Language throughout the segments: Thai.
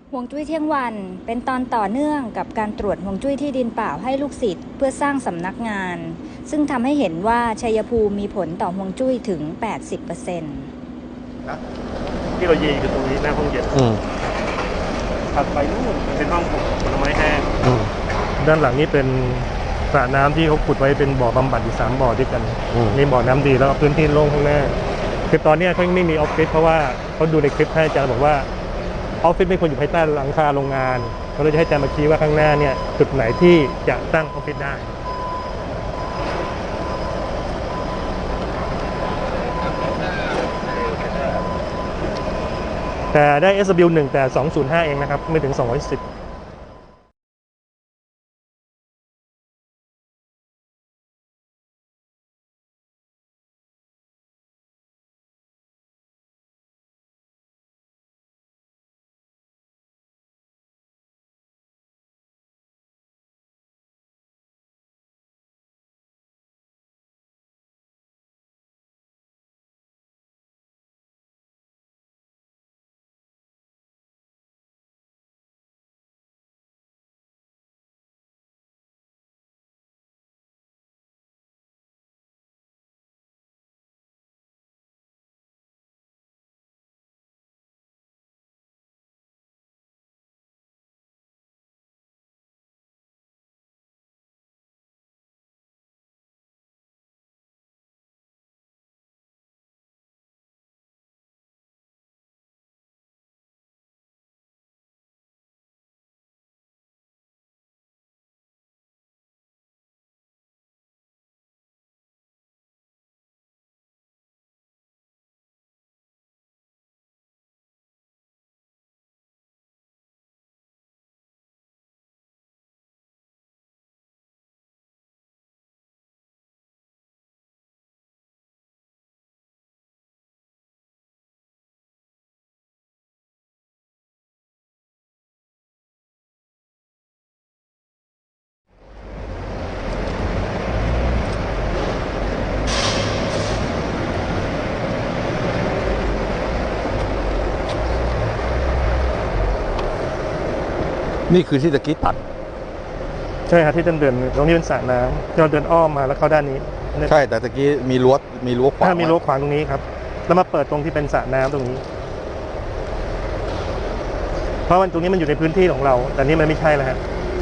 ฮวงจุ้ยเที่ยงวันเป็นตอนต่อเนื่องกับการตรวจฮวงจุ้ยที่ดินเปล่าให้ลูกศิษย์เพื่อสร้างสำนักงาน ซึ่งทำให้เห็นว่าชัยภูมิมีผลต่อฮวงจุ้ยถึง 80% ที่เรายืนอยู่ตรงนี้หน้าห้องเย็นถัดไปนู่นเป็นห้องปลูกผลไม้แห้งด้านหลังนี้เป็นสระน้ำที่เขาขุดไว้เป็นบ่อบำบัดอยู่3 บ่อด้วยกันมีบ่อน้ำดีแล้วก็พื้นที่โล่งข้างหน้าคือตอนนี้เขาไม่มีออฟฟิศเพราะว่าเขาดูในคลิปให้อาจารย์บอกว่าออฟฟิศไม่ควรอยู่ภายใต้หลังคาโรงงานเขาเลยจะให้อาจารย์มาชี้ว่าข้างหน้าเนี่ยจุดไหนที่จะตั้งออฟฟิศได้แต่ได้ SW1 แต่205เองนะครับไม่ถึง210 นี่คือที่ตะกี้ตัดใช่ครับที่เดินตรงนี้เป็นสระน้ำที่เราเดินอ้อมมาแล้วเข้าด้านนี้ใช่แต่ตะกี้มีรั้วขวางถ้ามีรั้วขวางตรงนี้ครับแล้วมาเปิดตรงที่เป็นสระน้ำตรงนี้เพราะมันตรงนี้มันอยู่ในพื้นที่ของเราแต่นี่มันไม่ใช่แล้วฮะ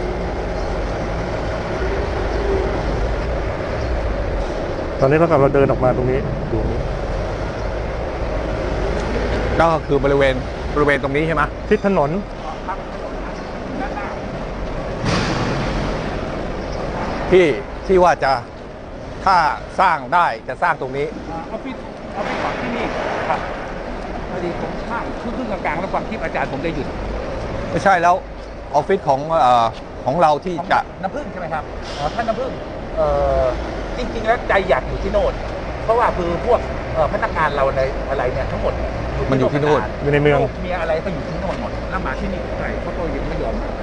ตอนนี้เราเดินออกมาตรงนี้ดูก็คือบริเวณตรงนี้ใช่ไหมทิศถนนที่ว่าจะถ้าสร้างได้จะสร้างตรงนี้ออฟฟิศของที่นี่ครับพอดีผมข้ามครึ่งกลางๆแล้วฟังคลิปอาจารย์ผมได้หยุดไม่ใช่แล้วออฟฟิศของเราที่จะน้ำผึ้งใช่ไหมครับท่านน้ำผึ้งจริงๆแล้วใจอยากอยู่ที่โน่นเพราะว่าคือพวกพนักงานเราในอะไรเนี่ยทั้งหมดมันอยู่ที่โน่นอยู่ในเมืองมีอะไรก็อยู่ที่โน่นหมดแล้วมาที่นี่ใช่เขาก็ยังไม่ยอมมา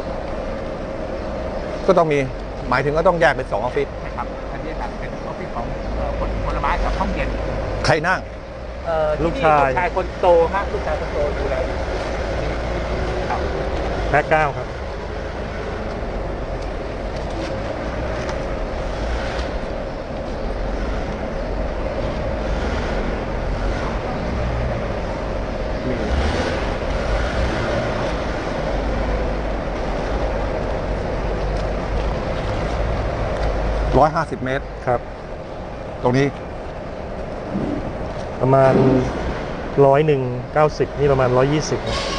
ก็ต้องมีหมายถึงก็ต้องแยกเป็น2 ออฟฟิศครับอันนี้ครับเป็นออฟฟิศของผลไม้กับห้องเย็นใครนั่งลูกชายคนโตฮะลูกชายคนโตดูแลแพ็ค9ครับ 150 เมตรครับตรงนี้ประมาณ100 90นี่ประมาณ120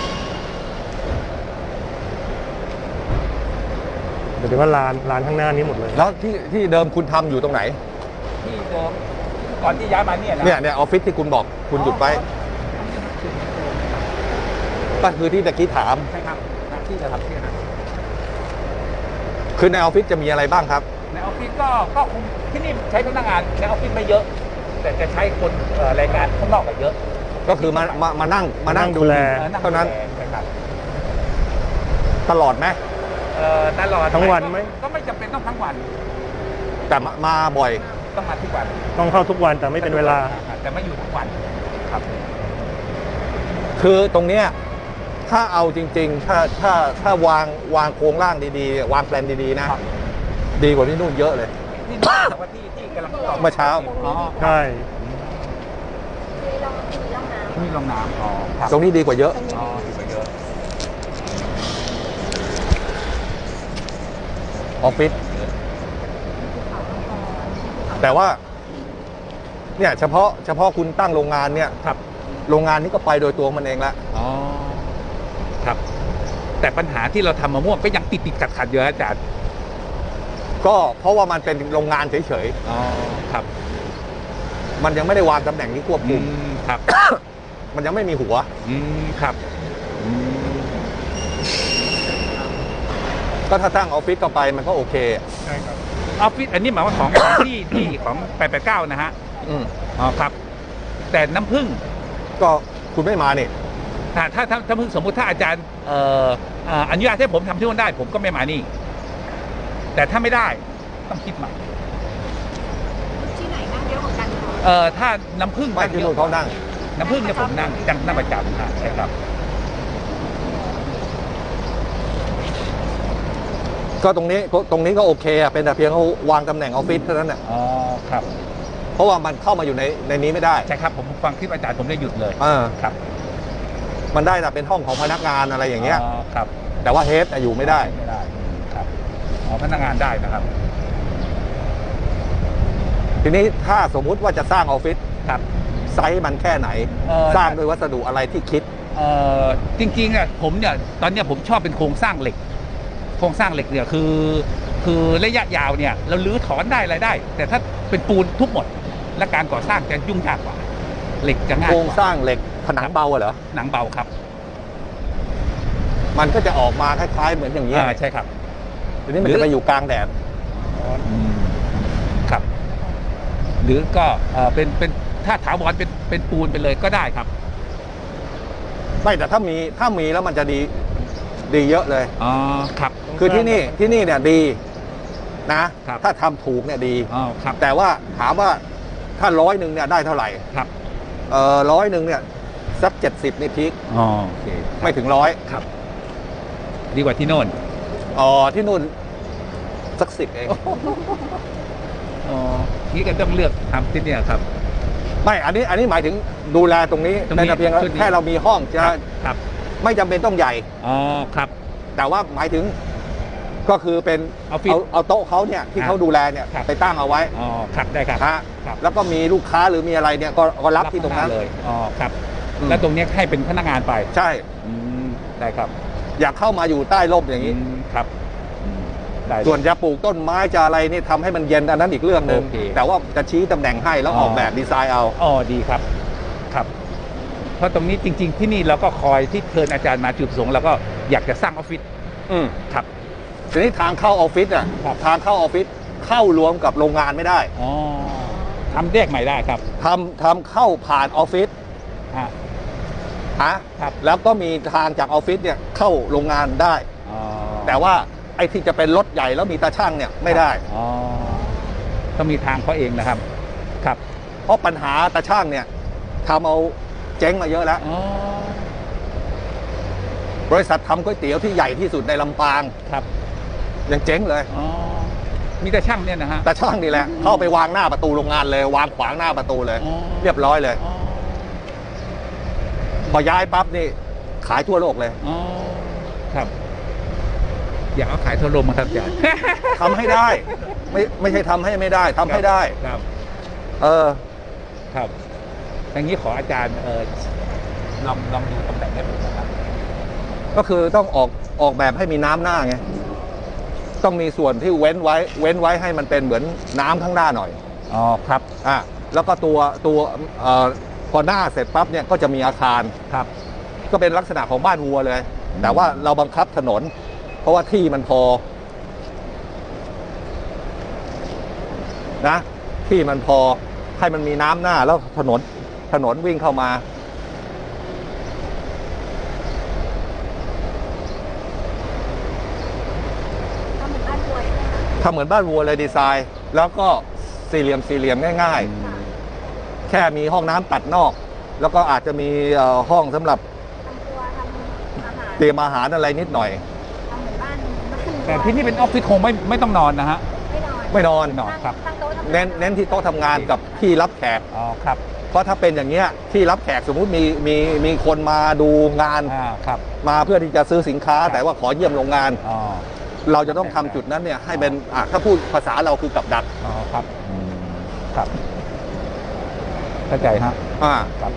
เดี๋ยวว่าลานข้างหน้านี้หมดเลยแล้วที่เดิมคุณทำอยู่ตรงไหนที่เดิมก่อนที่ย้ายมาเนี่ยออฟฟิศที่คุณบอกคุณหยุดไปก็คือที่ตะกี้ถามใช่ครับที่จะทำที่นั่นคือในออฟฟิศจะมีอะไรบ้างครับในออฟฟิศก็คงที่นี่ใช้พนักงานในออฟฟิศไม่เยอะแต่จะใช้คนแรงงานข้างนอกเยอะก็คือมานั่งดูแลเท่านั้นตลอดไหมตลอดทั้งวันไหมก็ไม่จำเป็นต้องทั้งวันแต่มาบ่อยต้องมาทุกวันต้องเข้าทุกวันแต่ไม่เป็นเวลาแต่ไม่อยู่ทุกวันครับคือตรงเนี้ยถถ้าเอาจริงๆ ถ้าวางโครงร่างดีๆ วางแปลนดีๆนะ ดีกว่าที่นู่นเยอะเลยที่นี่แต่ว่าที่กำลังต่อเมื่อเช้าอ๋อใช่มีรองน้ำอ๋อครับตรงนี้ดีกว่าเยอะอ๋อดีกว่าเยอะออฟฟิศแต่ว่าเนี่ยเฉพาะคุณตั้งโรงงานเนี่ยครับโรงงานนี้ก็ไปโดยตัวมันเองละอ๋อครับ แต่ปัญหาที่เราทำมะม่วงก็ยังติดขัดอยู่อาจารย์ก็เพราะว่ามันเป็นโรงงานเฉยอ๋อครับๆมันยังไม่ได้วางตำแหน่งที่ควบคุมครับมันยังไม่มีหัวครับอืมก็ถ้าตั้งออฟฟิศเข้าไปมันก็โอเคใช่ครับออฟฟิศอันนี้หมายว่าของที่ของ889นะฮะอืมอ๋อครับ แต่น้ำผึ้งก็คุณไม่มาเนี่ยถ้าสมมุติถ้าอาจารย์อนุญาตให้ผมทำที่นู่นได้ ผมก็ไม่มานี่ แต่ถ้าไม่ได้ต้องคิดใหม่ที่ไหนนั่งเยอะกว่ากันคะถ้าน้ำผึ้งไม่ที่นู่นเขานั่งน้ำผึ้งเนี่ยผมนั่งประจำค่ะใช่ครับก็ตรงนี้ก็โอเคอะเป็นแต่เพียงเขาวางตำแหน่งออฟฟิศเท่านั้นแหละอ๋อครับเพราะว่ามันเข้ามาอยู่ในนี้ไม่ได้ใช่ครับผมฟังคลิปอาจารย์ผมได้หยุดเลย ครับมันได้แต่เป็นห้องของพนักงานอะไรอย่างเงี้ยครับแต่ว่าเฮดอยู่ไม่ได้ไม่ได้ครับอ๋อพนักงานได้นะครับทีนี้ถ้าสมมุติว่าจะสร้างออฟฟิศครับไซส์มันแค่ไหน สร้างด้วยวัสดุอะไรที่คิดจริงๆอ่ะผมเนี่ยตอนเนี้ยผมชอบเป็นโครงสร้างเหล็ก โครงสร้างเหล็กเนี่ยคือระยะยาวเนี่ยเราลื้อถอนได้อะไรได้ แต่ถ้าเป็นปูนทุบหมด และการก่อสร้างจะยุ่งยากกว่า เหล็กจะง่ายโคกรงว่าสร้างเหล็กผนังเบาอะเหรอหนังเบาครับมันก็จะออกมาคล้ายๆเหมือนอย่างนี้ยใช่ครับทีนี้มันจะไปอยู่กลางแดดครับ หรือก็เป็นถ้าถาวรเป็นปูนไปเลยก็ได้ครับไม่แต่ถ้ามีแล้วมันจะดีเยอะเลยอ๋อครับคือที่นี่เนี่ยดีนะครับถ้าทำถูกเนี่ยดีอ๋อครับแต่ว่าถามว่าถ้า100เนี่ยได้เท่าไหร่ครับ 100เนี่ยสัก70นี่พีคอ๋อโอเคไม่ถึง100 ครับ ดีกว่าที่โน่นที่นู่นสัก10เองอ๋อนี่ก็ต้องเลือกทำที่เนี่ยครับไม่อันนี้หมายถึงดูแลตรงนี้ตรงนี้ในแต่เพียงชุดนี้แค่เรามีห้องจะครับไม่จำเป็นต้องใหญ่อ๋อครับแต่ว่าหมายถึงก็คือเป็นออฟฟิศเอาโต๊ะเขาเนี่ยที่เขาดูแลเนี่ยครับไปตั้งเอาไว้อ๋อครับได้ครับฮะครับแล้วก็มีลูกค้าหรือมีอะไรเนี่ยก็รับที่ตรงนั้นเลยอ๋อครับอืมแล้วตรงเนี้ยให้เป็นพนักงานไปใช่ได้ครับอยากเข้ามาอยู่ใต้ร่มอย่างนี้ครับได้ส่วนจะปลูกต้นไม้จะอะไรนี่ทำให้มันเย็นอันนั้นอีกเรื่องหนึ่งโอเคแต่ว่าจะชี้ตำแหน่งให้แล้วออกแบบดีไซน์เอาอ๋อดีครับครับ เพราะตรงนี้จริง ๆ ที่นี่เราก็คอยที่เชิญอาจารย์มาจุดประสงค์แล้วก็อยากจะสร้างออฟฟิศอืมครับทีนี้ทางเข้าออฟฟิศอ่ะครับทางเข้าออฟฟิศเข้ารวมกับโรงงานไม่ได้อ๋อทำแยกใหม่ได้ครับทำเข้าผ่านออฟฟิศฮะฮะครับแล้วก็มีทางจากออฟฟิศเนี่ยเข้าโรงงานได้อ๋อแต่ว่าไอ้ที่จะเป็นรถใหญ่แล้วมีตาช่างเนี่ยไม่ได้อ๋อต้องมีทางเขาเองนะครับ ครับเพราะปัญหาตาช่างเนี่ยทำเอาเจ๊งมาเยอะแล้วอ๋อบริษัททำก๋วยเตี๋ยวที่ใหญ่ที่สุดในลำปางครับยังเจ๊งเลยอ๋อมีแต่ช่างเนี่ยนะฮะตาช่างนี่แหละเข้าไปวางหน้าประตูโรงงานเลยวางขวางหน้าประตูเลยอ๋อเรียบร้อยเลยอ๋อพอย้ายปั๊บนี่ขายทั่วโลกเลยอ๋อครับ อยากเอาขายทั่วโลกมาครับอาจารย์ทำให้ได้ ไม่ใช่ทำให้ไม่ได้ทำให้ได้ครับเออครับ อย่างนี้ขออาจารย์ลองดูตำแหน่งให้ผมนะครับก็คือต้องออกแบบให้มีน้ำหน้าไงต้องมีส่วนที่เว้นไว้ให้มันเป็นเหมือนน้ำข้างหน้าหน่อยอ๋อครับแล้วก็ตัวพอหน้าเสร็จปั๊บเนี่ยก็จะมีอาคารครับก็เป็นลักษณะของบ้านวัวเลย แต่ว่าเราบังคับถนน เพราะว่าที่มันพอนะที่มันพอให้มันมีน้ำหน้าแล้วถนนวิ่งเข้ามาทำเหมือนบ้านวัวใช่ไหมคะทำเหมือนบ้านวัวเลยดีไซน์ แล้วก็สี่เหลี่ยมง่าย ๆ แค่มีห้องน้ำตัดนอก แล้วก็อาจจะมีห้องสำหรับทำครัวทำอาหารเตรียมอาหารอะไรนิดหน่อยทำเหมือนบ้านมันคือแต่ที่นี่เป็นออฟฟิศคงไม่ต้องนอนนะฮะไม่นอนไม่นอนนอนครับตั้งโต๊ะทำงานเน้นที่โต๊ะทำงานกับที่รับแขกอ๋อครับเพราะถ้าเป็นอย่างเงี้ยที่รับแขกสมมุติมีคนมาดูงานครับมาเพื่อที่จะซื้อสินค้า แต่ว่าขอเยี่ยมโรงงานอ๋อเราจะต้องทำจุดนั้นเนี่ยให้เป็นถ้าพูดภาษาเราคือกับดักอ๋อครับครับเข้าใจฮะอ่าครับ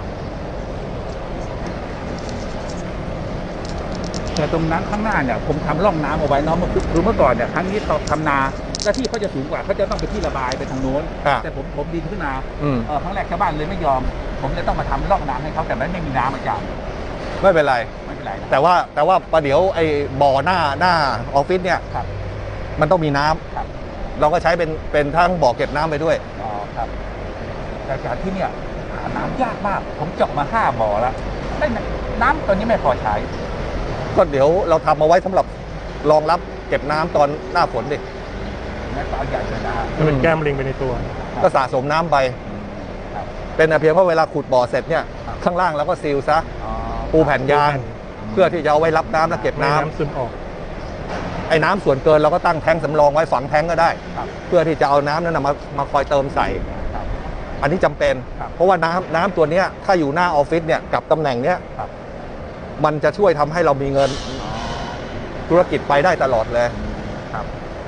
แต่ตรงนั้นข้างหน้าเนี่ยผมทำร่องน้ำเอาไว้เนาะคือเมื่อก่อนเนี่ยครั้งนี้เขาทำนาแล้วที่เขาจะสูงกว่าเขาจะต้องไปที่ระบายไปทางโน้นอ่าแต่ผมดินขึ้นมาอืมครั้งแรกชาวบ้านเลยไม่ยอม ผมเลยต้องมาทำร่องน้ำให้เขาแต่ไม่มีน้ำอาจารย์ไม่เป็นไรไม่เป็นไรนะแต่ว่าประเดี๋ยวไอ้บ่อหน้าออฟฟิศเนี่ยครับมันต้องมีน้ำครับเราก็ใช้เป็นทั้งบ่อเก็บน้ำไปด้วยอ๋อครับแต่อาจารย์ที่เนี่ยหาน้ำยากมาก ผมเจาะมา5 บ่อแล้วได้น้ำตอนนี้ไม่พอใช้ก็เดี๋ยวเราทำเอาไว้สำหรับรองรับเก็บน้ำตอนหน้าฝนดิแม่ปลาใหญ่เลยนะฮะจะเป็นแก้มลิงไปในตัวก็สะสมน้ำไปครับเป็นแต่เพียงว่าเวลาขุดบ่อเสร็จเนี่ยครับข้างล่างเราก็ซีลซะอ๋อปูแผ่นยางเพื่อที่จะเอาไว้รับน้ำและเก็บไม่น้ำน้ำซึมออกไอ้น้ำส่วนเกินเราก็ตั้งแท้งสำรองไว้ฝังแท้งก็ได้ครับเพื่อที่จะเอาน้ำนั้นนะมาคอยเติมใส่ครับอันนี้จำเป็นครับเพราะว่าน้ำตัวเนี้ยถ้าอยู่หน้าออฟฟิศเนี่ยกับตำแหน่งเนี้ยครับมันจะช่วยทำให้เรามีเงินอ๋อธุรกิจไปได้ตลอดเลยครับ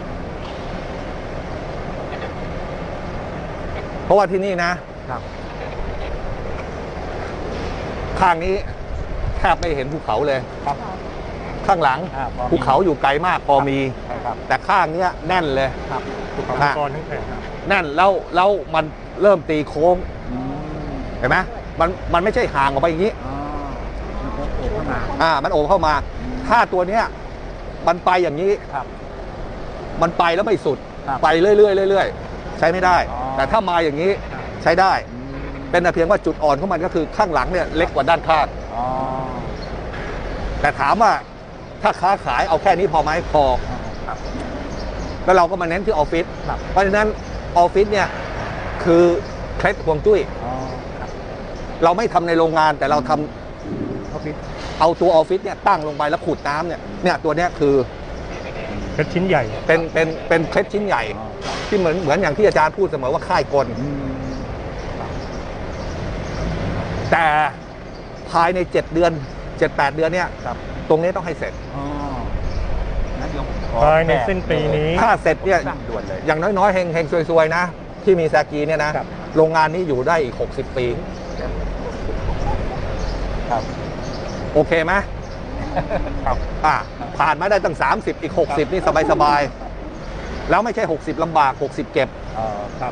เพราะว่าที่นี่นะครับข้างนี้แทบไม่เห็นภูเขาเลยครับข้างหลังพอมีภูเขาอยู่ไกลมากพอมีใช่ครับแต่ข้างเนี้ยแน่นเลยครับภูเขามังกรทั้งแผ่นแน่นแล้วมันเริ่มตีโค้งอืมเห็นไหมมันไม่ใช่ห่างออกไปอย่างนี้อ๋อมันโผล่เข้ามามันโอบเข้ามา ถ้าตัวเนี้ยมันไปอย่างนี้ครับมันไปแล้วไม่สุดครับไปเรื่อยๆเรื่อยๆใช้ไม่ได้อ๋อแต่ถ้ามาอย่างนี้ใช้ได้ เป็นแต่เพียงว่าจุดอ่อนของมันก็คือข้างหลังเนี่ยเล็กกว่าด้านข้างอ๋อแต่ถามว่าถ้าค้าขายเอาแค่นี้พอไหมพอครับแล้วเราก็มาเน้นที่ออฟฟิศครับเพราะฉะนั้นออฟฟิศเนี่ยคือเคล็ดฮวงจุ้ยอ๋อครับเราไม่ทำในโรงงานแต่เราทำออฟฟิศเอาตัวออฟฟิศเนี่ยตั้งลงไปแล้วขูดน้ำเนี่ยตัวเนี้ยคือเป็นชิ้นใหญ่เป็นเคล็ดชิ้นใหญ่อ๋อที่เหมือนอย่างที่อาจารย์พูดเสมอว่าค่ายกลอืมแต่ภายใน 7 เดือน 7-8 เดือนเนี่ยครับตรงนี้ต้องให้เสร็จอ๋องั้นเดี๋ยวผมขอภายในสิ้นปีนี้ถ้าเสร็จเนี่ยสั่งด่วนเลยอย่างน้อยๆเฮงๆซวยๆนะ ที่มีแซกีเนี่ยนะครับโรงงานนี้อยู่ได้อีก 60 ปีครับโอเคไหมครับผ่านมาได้ตั้ง 30 อีก 60 นี่สบายๆ แล้วไม่ใช่ 60ลำบาก 60 เก็บครับ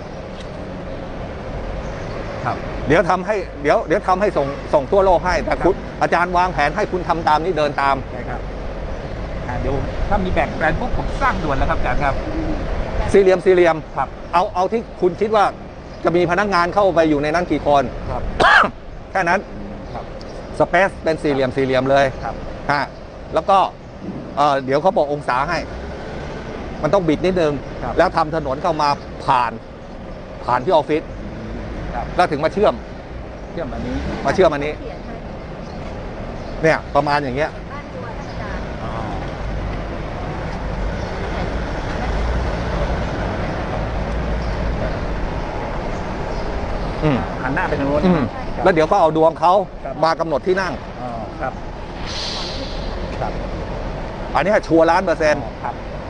ครับเดี๋ยวทำให้ส่งทั่วโลกให้ แต่คุณอาจารย์วางแผนให้คุณทำตามนี้เดินตามใช่ครับเดี๋ยวถ้ามีแบ่งแปลนปุ๊บผมสร้างด่วนแล้วครับอาจารย์ครับสี่เหลี่ยมครับเอาที่คุณคิดว่าจะมีพนักงานเข้าไปอยู่ในนั้นกี่คนครับแค่นั้นครับสเปซเป็นสี่เหลี่ยมเลยครับแล้วก็เดี๋ยวเขาบอกองศาให้ มันต้องบิดนิดนึงครับแล้วทำถนนเข้ามาผ่านที่ออฟฟิศครับแล้วถึงมาเชื่อมเชื่อมอันนี้มาเชื่อมอันนี้เขียนให้เนี่ยประมาณอย่างเงี้ยบ้านตัวท่านอาจารย์อ๋ออืมหันหน้าไปทางโน้นอืมครับแล้วเดี๋ยวก็เอาดวงเขาครับมากำหนดที่นั่งอ๋อครับ ครับอันนี้ชัวร์1,000,000% ครับ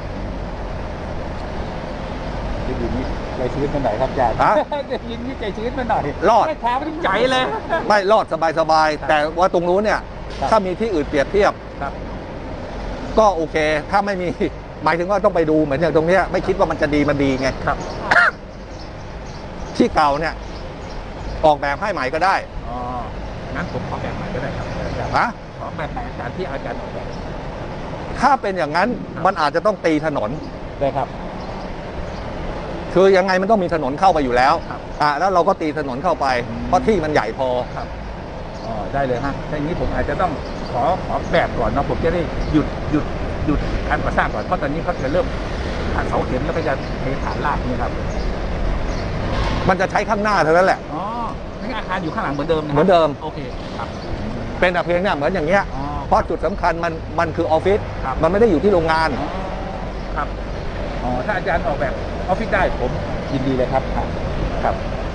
ได้ยินนี่ใจชื้นไปหน่อยครับอาจารย์ฮะได้ยินนี่ใจชื้นไปหน่อยรอดไม่ท้าไม่ถึงใจเลยไม่รอดสบายครับๆแต่ว่าตรงนู้นเนี่ยครับถ้ามีที่อื่นเปรียบเทียบครับก็โอเค ถ้าไม่มี หมายถึงว่าต้องไปดูเหมือนอย่างตรงเนี้ยไม่คิดว่ามันจะดีมันดีไงครับที่เก่าเนี่ย ออกแบบให้ใหม่ก็ได้อ๋อ งั้นผมขอแบบใหม่ก็ได้ครับอาจารย์นะขอแบบไหนอาจารย์ที่อาจารย์ออกแบบถ้าเป็นอย่างนั้นมันอาจจะต้องตีถนนได้ครับคือยังไงมันต้องมีถนนเข้าไปอยู่แล้วครับแล้วเราก็ตีถนนเข้าไป เพราะที่มันใหญ่พอครับอ๋อได้เลยฮะถ้าอย่างนี้ผมอาจจะต้องขอแบบก่อนเนาะผมจะได้หยุดการก่อสร้างก่อนเพราะตอนนี้เขาจะเริ่มผ่านเสาเข็มแล้วก็จะเทฐานรากนี่ครับมันจะใช้ข้างหน้าเท่านั้นแหละอ๋อนี่อาคารอยู่ข้างหลังเหมือนเดิมนะเหมือนเดิมโอเคครับเป็นแต่เพียงเนี่ยเหมือนอย่างเงี้ยอ๋อเพราะจุดสำคัญมันคือออฟฟิศครับมันไม่ได้อยู่ที่โรงงานครับอ๋อถ้าอาจารย์ออกแบบออฟฟิศได้ผมยินดีเลยครับครับ